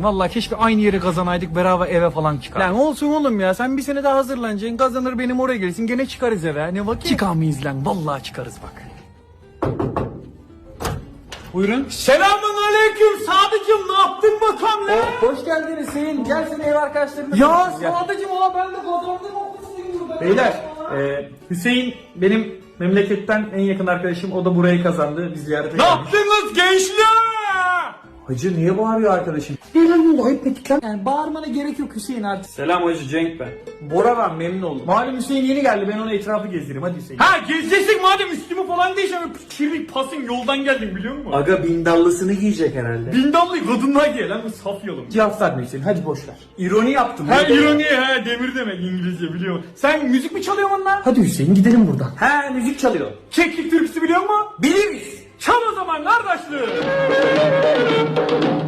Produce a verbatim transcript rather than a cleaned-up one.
lan. Vallahi keşke aynı yere kazanaydık, beraber eve falan çıkar. Lan olsun oğlum ya, sen bir sene daha hazırlanacaksın, kazanır benim oraya gelirsin, gene çıkarız eve. Ne vakit? Çıkar mıyız lan? Vallahi çıkarız bak. Buyurun. Selamun aleyküm Sadıcığım, ne yaptın bakalım lan? Hoş geldin Hüseyin. Gel seni ev arkadaşlarına. Ya Sadıcığım, ola ben de kazandım okumuşsun burada. Beyler, e, Hüseyin benim memleketten en yakın arkadaşım, o da burayı kazandı. Biz ziyarete geldik. Ne yaptınız gençler? Hacı niye bağırıyor arkadaşım? Ne lan oldu? Ayıp ettik lan. Yani bağırmana gerek yok Hüseyin artık. Selam hacı, Cenk ben. Bora ben, memnun oldum. Malum Hüseyin yeni geldi, ben ona etrafı gezdireyim, hadi Hüseyin. Ha gezeceksin madem, üstümü falan değişen kirli pasın yoldan geldim biliyor musun? Aga bindallısını giyecek herhalde. Bindallı kadınlar giye lan, bu saf yolum. Cevap verme Hüseyin, hadi boş ver. İroni yaptım. Ha ironi, ha demir demek İngilizce biliyor musun? Sen müzik mi çalıyorsun lan? Hadi Hüseyin gidelim buradan. He müzik çalıyor. Keklik türküsü biliyor musun? Biliriz. Çal o zaman kardeşler.